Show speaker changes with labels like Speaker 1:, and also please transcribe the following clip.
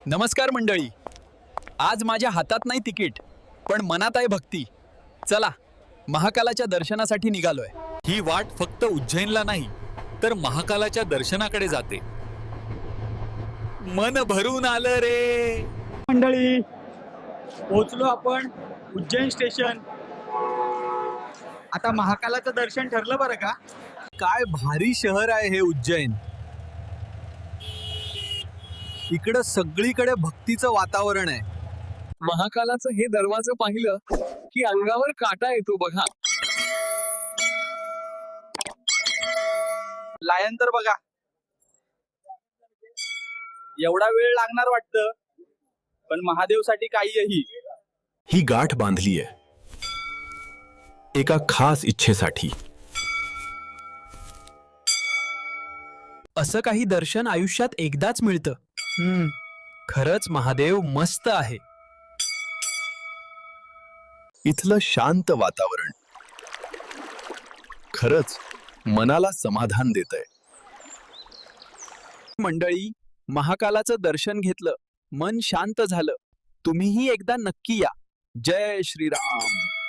Speaker 1: नमस्कार मंडळी. आज माझ्या हातात नाही तिकीट, पण मनात आहे भक्ती. चला, महाकालाच्या दर्शनासाठी निघालोय.
Speaker 2: ही वाट फक्त उज्जैनला नाही तर महाकालाच्या दर्शनाकडे जाते. मन भरून आलं रे.
Speaker 3: मंडळी, पोहोचलो आपण उज्जैन स्टेशन. आता महाकालाचं दर्शन ठरलं बरं का.
Speaker 1: काय भारी शहर आहे हे उज्जैन. इकडं सगळीकडे भक्तीचं वातावरण आहे.
Speaker 4: महाकालाचं हे दरवाजे पाहिलं की अंगावर काटा येतो बघा.
Speaker 3: लायन तर बघा, एवढा वेळ लागणार वाटतं, पण महादेवसाठी काहीही.
Speaker 5: ही गाठ बांधली आहे एका खास इच्छेसाठी.
Speaker 1: असं काही दर्शन आयुष्यात एकदाच मिळतं. खरंच महादेव मस्त आहे.
Speaker 5: इथलं शांत वातावरण खरंच मनाला समाधान देतंय.
Speaker 1: मंडळी, महाकालाचं दर्शन घेतलं, मन शांत झालं. तुम्हीही एकदा नक्की या. जय श्रीराम.